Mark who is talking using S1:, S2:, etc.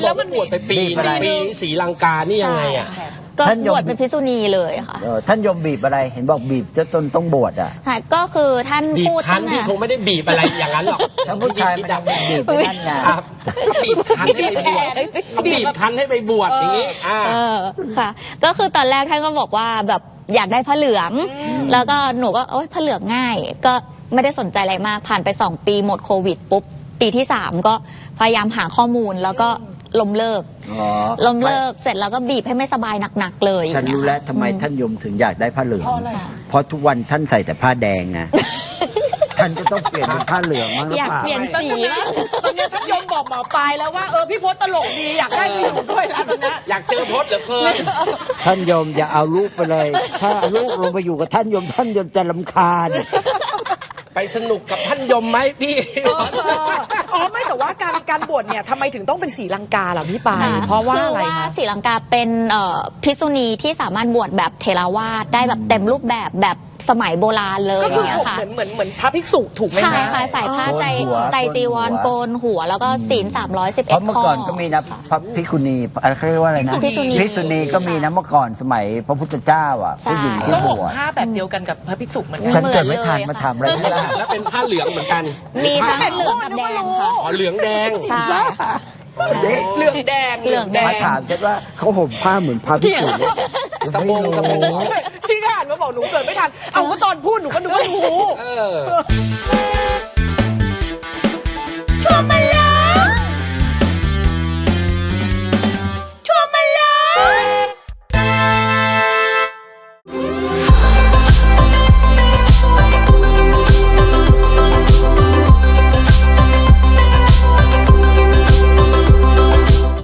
S1: บอกว่าบวชไปปีศรีลังกานี่ยังไงอ่ะ
S2: ก็บวชเป็นภิกษุณีเลยค่ะ
S3: ท่านยมบีบอะไรเห็นบอกบีบจนต้องบวชอ่ะ
S2: ก็คือท่านพูด
S1: คันที่คงไม่ได้บีบอะไรอย่างนั้นหรอก
S3: ถ้าผู้ชายมันจะบีบไปนั่นไง
S1: บีบคันให้ไปบวชบีบคันให้ไปบวชอย่างนี้
S2: ค่ะก็คือตอนแรกท่านก็บอกว่าแบบอยากได้ผ้าเหลืองแล้วก็หนูก็โอ๊ยผ้าเหลืองง่ายก็ไม่ได้สนใจอะไรมากผ่านไป2 ปีหมดโควิดปุ๊บปีที่3ก็พยายามหาข้อมูลแล้วก็ล้มเลิกเสร็จแล้วก็บีบให้ไม่สบายหนักๆเลย
S3: ฉันรู้แล้วทำไมท่านยมถึงอยากได้ผ้าเหลืองเพราะทุกวันท่านใส่แต่ผ้าแดงไงท่านก็ต้องเปลี่ยนเป็นผ้าเหลืองมั้งหรือเปล่า
S2: อยากเปลี่ยนสี
S4: ตอนนี้ท่านยมบอกหมอปลายแล้วว่าพี่พจน์ตลกดีอยากได้ไปอยู่ด้วยแล้วตอนนี้
S1: อยากเจอพจน์เหลือเกิน
S3: ท่านยมอย่าเอาลูกไปเลยถ้าลูกลงไปอยู่กับท่านยมจะรำคาญ
S1: ไปสนุกกับท่านยมไหมพี่
S4: ไม่แต่ว่าการบวชเนี่ยทำไมถึงต้องเป็นศรีลังกาล่ะพี่ปายเพราะว่าอะไรคะ
S2: ศรีลังกาเป็นภิกษุณีที่สามารถบวชแบบเทรวาสได้แบบเต็มรูปแบบสมัยโบราณเลย
S4: ก็คือเหมือนพระภิกษุถูกไหมคะ
S2: ใช่ค่ะใส่ผ้าไตรจีวรโกนหัวแล้วก็ศีล311
S3: ข้อเมื่อก่อนก็มีนะพระภิกษุณีเขาเรียกว่าอะไรนะ
S2: ภิกษุ
S3: ณีก็มีนะเมื่อก่อนสมัยพระพุทธเจ้าอ่ะผู้หญิงที่บวช
S4: ผ้าแบบเดียวกันกับพระภิกษุเหมือนกัน
S3: ฉันเกิดไม่ทันมาทำอะไรไม่ได้
S1: แล้วเป็นผ้าเหลืองเหมือนกัน
S2: มีทั้งเหลืองกับแดงค่ะ
S1: เหลืองแดง
S2: ใช่
S4: เหลืองแดง
S3: มาถามฉันว่าเขาห่มผ้าเหมือนพระภิกษุ
S1: สบง
S4: พี่ก็อ่านมาบอกหนูเกิดไม่ทันเอาก็ตอนพูดหนูก็นึกว่ารู้